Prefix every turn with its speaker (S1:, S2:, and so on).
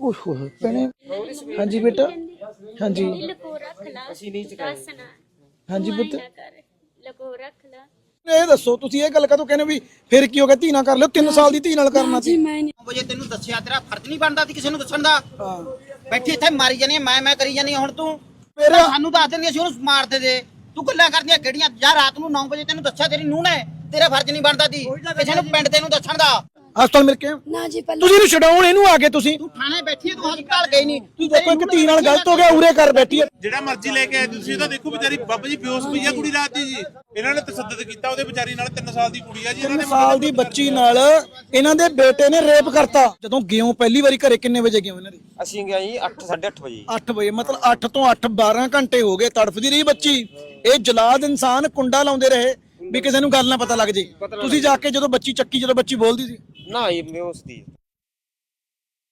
S1: ਓਏ ਹੋਏ ਭੈਣੇ। ਹਾਂਜੀ ਬੇਟਾ। ਹਾਂਜੀ
S2: ਲਕੋ ਰੱਖ ਲਾ ਅਸੀਂ ਨਹੀਂ ਚਕਾਸਣਾ
S1: ਹਾਂਜੀ ਪੁੱਤ।
S2: ਲਕੋ ਰੱਖ ਲਾ।
S1: ਇਹ ਦੱਸੋ ਤੁਸੀਂ ਇਹ ਗੱਲ ਕਦੋਂ ਕਹਿੰਦੇ ਵੀ ਫਿਰ ਕੀ ਹੋ ਗਿਆ, ਧੀ ਨਾਲ ਕਰ ਲਿਓ, 3 ਸਾਲ ਦੀ ਧੀ ਨਾਲ ਕਰਨਾ ਸੀ।
S3: 9 ਵਜੇ ਤੈਨੂੰ ਦੱਸਿਆ, ਤੇਰਾ ਫਰਜ਼ ਨਹੀਂ ਬਣਦਾ ਸੀ ਕਿਸੇ ਨੂੰ ਦੱਸਣ ਦਾ।
S1: ਹਾਂ
S3: ਬੈਠੀ ਇੱਥੇ ਮਾਰੀ ਜਾਨੀ ਮੈਂ ਕਰੀ ਜਾਨੀ ਹੁਣ ਤੂੰ
S1: ਮੇਰਾ
S3: ਸਾਨੂੰ ਦੱਸ ਦਿੰਦੀ, ਅਸੀਂ ਉਹਨੂੰ ਮਾਰਦੇ ਦੇ। ਤੂੰ ਗੱਲਾਂ ਕਰਦੀਆਂ ਕਿਹੜੀਆਂ? ਜਾਂ ਰਾਤ ਨੂੰ 9 ਵਜੇ ਤੈਨੂੰ ਦੱਸਿਆ ਤੇਰੀ ਨੂੰਹ ਨੇ, ਤੇਰਾ ਫਰਜ਼ ਨਹੀਂ ਬਣਦਾ ਸੀ ਕਿਸੇ ਨੂੰ ਪਿੰਡ ਦੇ ਨੂੰ ਦੱਸਣ ਦਾ।
S1: ਹਸਪਤਾਲ ਮਿਲ ਕੇ ਆਏ?
S4: ਨਾ ਜੀ ਪਹਿਲਾਂ
S1: ਤੁਸੀਂ ਇਹਨੂੰ ਛਡਾਉਣ ਇਹਨੂੰ ਆ ਗਏ ਤੁਸੀਂ।
S3: ਤੂੰ ਥਾਣੇ ਬੈਠੀ ਹੈ, ਤੂੰ ਹਸਪਤਾਲ ਗਈ ਨਹੀਂ।
S1: ਤੁਸੀਂ ਦੇਖੋ ਇੱਕ ਧੀ ਨਾਲ ਗਲਤ ਹੋ ਗਿਆ, ਉਰੇ ਕਰ ਬੈਠੀ ਹੈ।
S5: ਜਿਹੜਾ ਮਰਜ਼ੀ ਲੈ ਕੇ ਆਏ ਤੁਸੀਂ ਤਾਂ ਦੇਖੋ ਵਿਚਾਰੀ ਬਾਬਾ ਜੀ ਬੇਹੋਸ਼ ਪਈ ਆ ਕੁੜੀ ਰਾਤ ਦੀ ਜੀ। ਇਹਨਾਂ ਨੇ ਤਸੱਦਦ ਕੀਤਾ ਉਹਦੇ ਵਿਚਾਰੀ ਨਾਲ। 3 ਸਾਲ ਦੀ ਕੁੜੀ ਆ ਜੀ। ਇਹਨਾਂ
S1: 3
S5: ਨੇ
S1: ਸਾਲ ਦੀ ਬੱਚੀ ਨਾਲ ਇਹਨਾਂ ਦੇ ਬੇਟੇ ਨੇ ਰੇਪ ਕਰਤਾ। ਜਦੋਂ ਗਿਓ ਪਹਿਲੀ ਵਾਰੀ ਘਰੇ ਕਿੰਨੇ ਵਜੇ ਗਏ ਇਹਨਾਂ ਦੇ?
S6: ਅਸੀਂ ਗਏ ਜੀ 8 8:30 ਵਜੇ।
S1: 8 ਵਜੇ ਮਤਲਬ 8 ਤੋਂ 8 12 ਘੰਟੇ ਹੋ ਗਏ ਤੜਫਦੀ ਰਹੀ ਬੱਚੀ। ਇਹ ਜਲਾਦ ਇਨਸਾਨ ਕੁੰਡਾ ਲਾਉਂਦੇ ਰਹੇ ਵੀ ਕਿਸੇ ਨੂੰ ਗੱਲ ਨਾ ਪਤਾ ਲੱਗ ਜੇ। ਤੁਸੀਂ ਜਾ ਕੇ ਜਦੋਂ ਬੱਚੀ ਚੱਕੀ, ਜਦੋਂ ਬੱਚੀ ਬੋਲਦੀ ਸੀ
S6: ਨਾ ਇਹ ਬੇਹੋਸ਼ ਦੀ।